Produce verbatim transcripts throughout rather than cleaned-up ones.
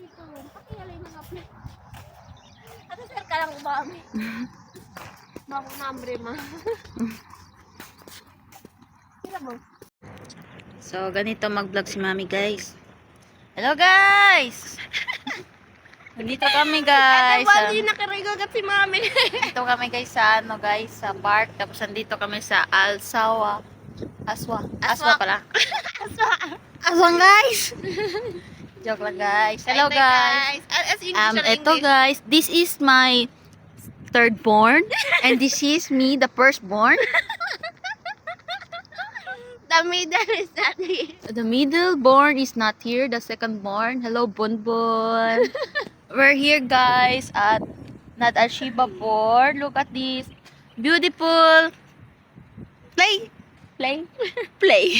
dito. Pakiyalay mga play. Ano sir ka lang umami? Bako na ambre ma. Sila mo? So, ganito mag-vlog si Mami, guys. Hello, guys! Nandito kami, guys. Ano ba sa- hindi nakarigagat si mami? Dito kami, guys, sa ano, guys, sa park. Tapos, nandito kami sa Alsawa. Aswa. Aswa Aswa. pala. Aswa. Aswang, guys! Joke lang, guys. Hello, Hi, guys. As, as English Um, or eto, English? guys. This is my third born. And this is me, the first born. The middle is not here. The middle born is not here. The second born. Hello, Bonbon. We're here, guys, at Nad Al Shiba board. Look at this. Beautiful. Play. Play. Play.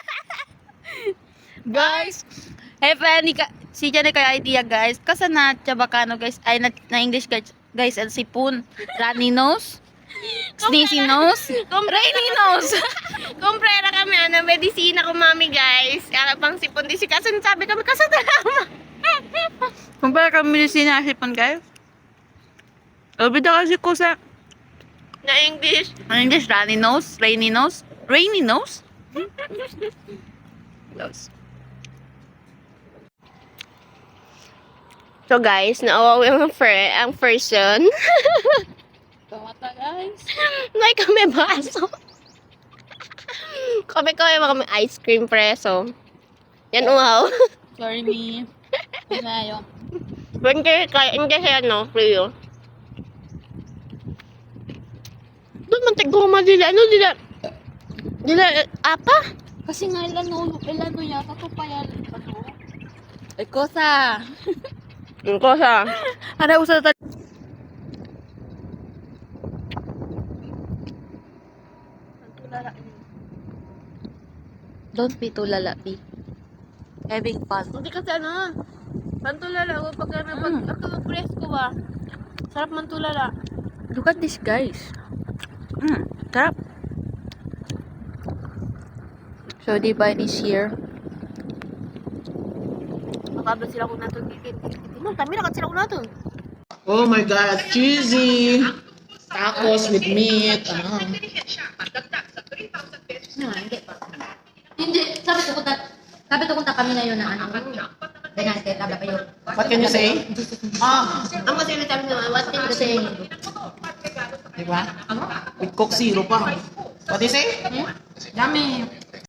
Guys, have any ka si Jane kay idea, guys. Kasa na Chabacano, guys. Ay na, na English, guys. Guys, ang sipon. Runny nose. Sneezy nose. Rainy nose. Kumprera kami, ano, medisina ko mami guys. Kaya pang sipon di si Kasan, sabi kami, Kasan tama. Kumpara kami sinasipon, guys. Obida kasi ko sa Na English. ang English, runny nose, rainy nose, rainy nose. Nose. So guys, naawawi ang, fr- ang person. Kamata, guys. May kami baso. Kami kami kami ice cream preso. Yan uhaw. Sorry, me. Kumayo. Hindi kaya hindi siya no, Rio. Doon man tigoma dila ano dila. Dila eh, apa? Kasi nga ilan no, ilan no yata to pa yan. Ano? Ay, kosa. Ang kosa. Ada usah tadi. Don't be too lala, be. Having fun. Hindi kasi ano. Pantulala ko pag ano pag Mm. ako presko ba. Sarap mantulala. Look at this, guys. Mm, sarap. So, the vine is here. Makabla sila ko nato gigit. Mo kami na sila ko nato. Oh my God, cheesy! Tacos with meat. Ah. Hindi, sabi ko punta, sabi ko punta kami ngayon na ano, ganyan, kaya tabla kayo. What can you say? Ah, Ang kasi na sabi naman, what can you say? di ba? With Coke Zero pa. What do you say? Yummy.